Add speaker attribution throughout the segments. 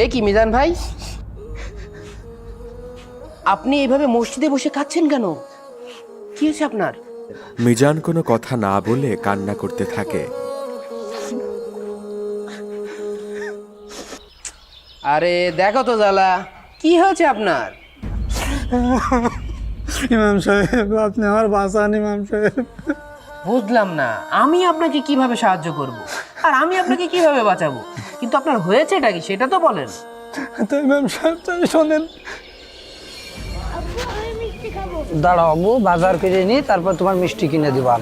Speaker 1: এ কি মিজান ভাই, আপনি এইভাবে মসজিদে বসে কাঁদছেন কেন? কি হয়েছে আপনার?
Speaker 2: মিজান কোনো কথা না বলে কান্না করতে থাকে।
Speaker 1: আরে দেখো তো জালা, কি হয়েছে আপনার?
Speaker 3: ইমাম সাহেব, আপনি আমার বাঁচান ইমাম সাহেব।
Speaker 1: বুঝলাম না, আমি আপনাকে কিভাবে সাহায্য করব আর আমি আপনাকে কিভাবে বাঁচাবো, কিন্তু আপনার হয়েছেটা কি সেটা তো বলেন।
Speaker 3: তো ইমাম সাহেব তাই শোনেন।
Speaker 4: দাঁড়াও আব্বু, বাজার করে নি, তারপর তোমার মিষ্টি কিনে দিবা।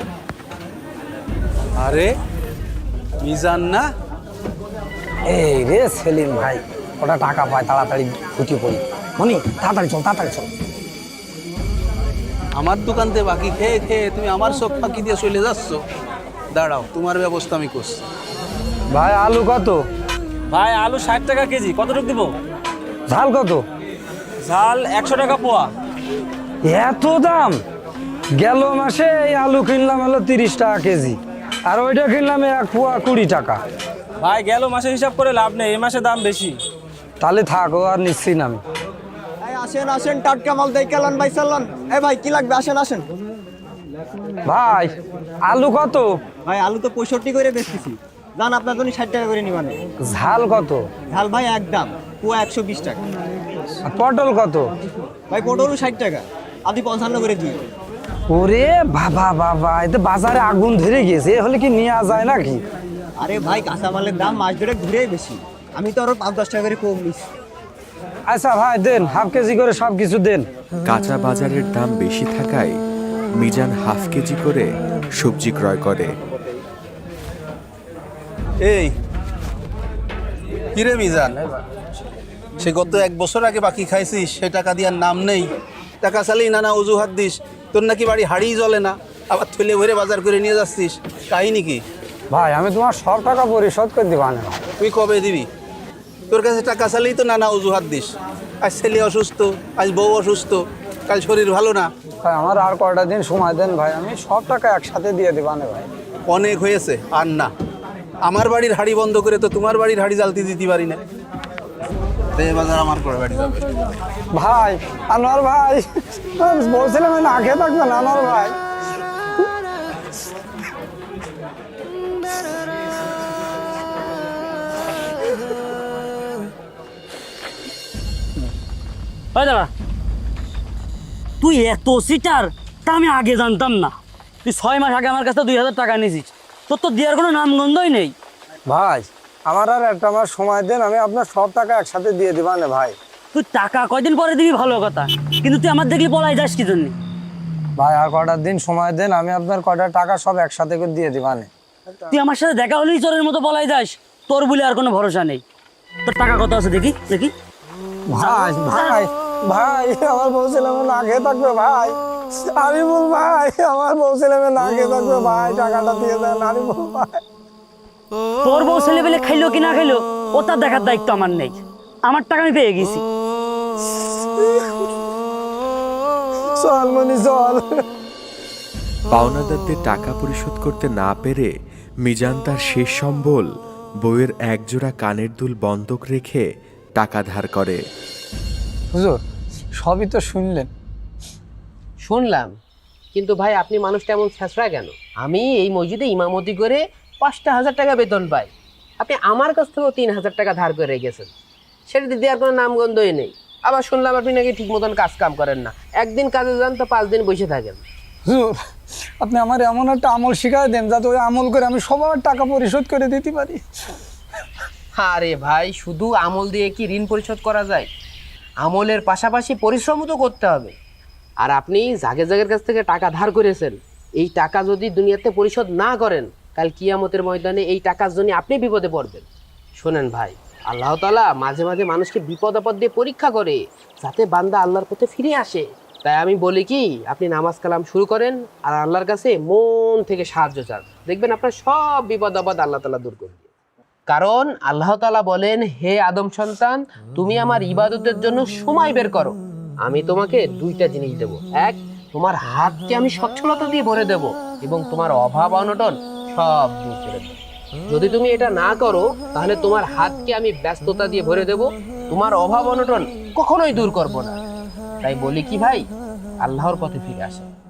Speaker 5: আরে মিজান না?
Speaker 4: এই রে সেলিম ভাই, ওটা টাকা পায়, তাড়াতাড়ি খুঁটি পড়ি। মনি তাড়াতাড়ি চল, তাড়াতাড়ি চল।
Speaker 5: আমার দোকানতে বাকি খেয়ে খেয়ে তুমি আমার চোখ ফাঁকি দিয়ে চলে যাচ্ছ। দাঁড়াও, তোমার ব্যবস্থা আমি করছি।
Speaker 4: ভাই আলু কত?
Speaker 6: ভাই আলু 60 টাকা কেজি। কতটুকু দিব?
Speaker 4: ঝাল কত?
Speaker 6: ঝাল 100 টাকা পোয়া।
Speaker 4: এত দাম! গেল মাসে এই আলু কিনলাম হলো 30 টাকা কেজি, আর ওইটা কিনলাম 1 পোয়া 20 টাকা।
Speaker 6: ভাই গেল মাসে হিসাব করে লাভ নেই, এই মাসে দাম বেশি।
Speaker 4: তাহলে থাকো, আর নিচ্ছি না আমি।
Speaker 7: আসেন আসেন, টাটকা মাল দেই কালান ভাই চালান। এই ভাই কি লাগবে, আসেন আসেন।
Speaker 4: ভাই আলু কত?
Speaker 7: ভাই আলু তো 65 করে বেচতেছি, জান আপনার জন্য 60 টাকা করে নিবানে।
Speaker 4: ঝাল কত?
Speaker 7: ঝাল ভাই একদম পুয়া 120 টাকা।
Speaker 4: আর পটল কত?
Speaker 7: ভাই পটলও 60 টাকা, আপনি 55 করে দিই।
Speaker 4: ওরে বাবা বাবা, এতে বাজারে আগুন ধরে গেছে, এ হলে কি নেওয়া যায় নাকি?
Speaker 7: আরে ভাই কাঁচামালের দাম মাস ধরে ঘুরেই বেশি, আমি তো আরো 5-10 টাকা করে কম নিচ্ছি।
Speaker 4: আচ্ছা ভাই দেন, হাফ কেজি করে সব কিছু দেন।
Speaker 2: কাঁচা বাজারের দাম বেশি থাকায় মিজান হাফ কেজি করে সবজি ক্রয় করে।
Speaker 5: এই কিরে মিজান, সে গত 1 বছর আগে বাকি খাইছিস, সে টাকা দেওয়ার নাম নেই। টাকা চালেই নানা অজুহাত দিস। তোর নাকি বাড়ি হাড়িই জ্বলে না, আবার থলে ভরে বাজার করে নিয়ে যাচ্ছিস, কাহিনী কি?
Speaker 4: ভাই আমি তোমার সব টাকা পরিশোধ করে দিবা না।
Speaker 5: তুই কবে দিবি? তোর কাছে টাকা চালেই তো নানা অজুহাত দিস। আজ ছেলে অসুস্থ, আজ বউ অসুস্থ, কাল শরীর ভালো না।
Speaker 4: ভাই আমার আর কয়টা দিন সময় দেন ভাই, আমি সব টাকা একসাথে দিয়ে দিবা না ভাই।
Speaker 5: অনেক হয়েছে, আর না। আমার বাড়ির হাড়ি বন্ধ করে তো তোমার বাড়ির হাড়ি জ্বালতে দিতে পারি না। বাজার আমার করে বাড়ি যাবে।
Speaker 4: ভাই আনোয়ার ভাই, বলছিলাম না খেয়ে থাকবেন আনোয়ার ভাই।
Speaker 6: ভাই দাঁড়া, তুই এত সিটার তা আমি আগে জানতাম না। তুই 6 মাস আগে আমার কাছে 2000 টাকা নিয়েছিস, তোর তো দেওয়ার কোনো নামগন্ধই নেই।
Speaker 4: ভাই আমার আর একটা মাস সময় দেন, আমি আপনার সব টাকা একসাথে দিয়ে দিবা না ভাই।
Speaker 6: তুই টাকা কয়দিন পরে দিবি ভালো কথা, কিন্তু তুই আমার দেখলি পলাই যাস কি জন্য?
Speaker 4: ভাই আর কয়টা দিন সময় দেন, আমি আপনার কয়টা টাকা সব একসাথে করে দিয়ে দিবা না।
Speaker 6: তুই আমার সাথে দেখা হলেই চোরের মতো পলাই যাস, তোর বলে আর কোনো ভরসা নেই। তোর টাকা কত আছে দেখি দেখি।
Speaker 4: ভাই ভাই ভাই, আমার বউ ছেলে না খেয়ে থাকবে ভাই, আমি বল ভাই, আমার বউ ছেলে না খেয়ে থাকবে ভাই, টাকাটা দিয়ে দেন আমি বল ভাই।
Speaker 6: তোর বউ ছেলে পেলে খাইলো কি না খাইলো ও তার দেখার দায়িত্ব আমার নেই, আমার টাকা আমি পেয়ে গেছি।
Speaker 4: চল মনি চল।
Speaker 2: পাওনাদারদের টাকা পরিশোধ করতে না পেরে মিজান তার শেষ সম্বল বউয়ের একজোড়া কানের দুল বন্ধক রেখে টাকা ধার করে।
Speaker 4: হুজুর সবই তো শুনলেন।
Speaker 1: শুনলাম, কিন্তু ভাই আপনি মানুষটা এমন ছেঁচড়া কেন? আমি এই মসজিদে ইমামতি করে 5,000 টাকা বেতন পাই, আপনি আমার কাছ থেকেও 3,000 টাকা ধার করে গেছেন, সেটা দিদি আর কোনো নামগন্ধই নেই। আবার শুনলাম আপনি নাকি ঠিক মতন কাজ কাম করেন না, একদিন কাজে যান তো 5 দিন বসে থাকেন।
Speaker 4: হুজুর আপনি আমার এমন একটা আমল শিখাই দেন যাতে ওই আমল করে আমি সবার টাকা পরিশোধ করে দিতে পারি।
Speaker 1: আরে ভাই, শুধু আমল দিয়ে কি ঋণ পরিশোধ করা যায়? আমলের পাশাপাশি পরিশ্রমও তো করতে হবে। আর আপনি জাগে জাগের কাছ থেকে টাকা ধার করেছেন, এই টাকা যদি দুনিয়াতে পরিশোধ না করেন, কাল কিয়ামতের ময়দানে এই টাকার জন্য আপনি বিপদে পড়বেন। শোনেন ভাই, আল্লাহ তাআলা মাঝে মাঝে মানুষকে বিপদ আপদ দিয়ে পরীক্ষা করে, যাতে বান্দা আল্লাহর পথে ফিরে আসে। তাই আমি বলি কি, আপনি নামাজ কালাম শুরু করেন আর আল্লাহর কাছে মন থেকে সাহায্য চান, দেখবেন আপনার সব বিপদ আপদ আল্লাহ তাআলা দূর করবে। কারণ আল্লাহ তাআলা বলেন, হে আদম সন্তান, তুমি আমার ইবাদতের জন্য সময় বের করো, আমি তোমাকে 2টা জিনিস দেব। এক, তোমার হাতকে আমি সচ্ছলতা দিয়ে ভরে দেব, এবং তোমার অভাব অনটন সব দূর করে দেব। যদি তুমি এটা না করো তাহলে তোমার হাতকে আমি ব্যস্ততা দিয়ে ভরে দেব, তোমার অভাব অনটন কখনোই দূর করব না। তাই বলি কি ভাই, আল্লাহর পথে ফিরে আসে।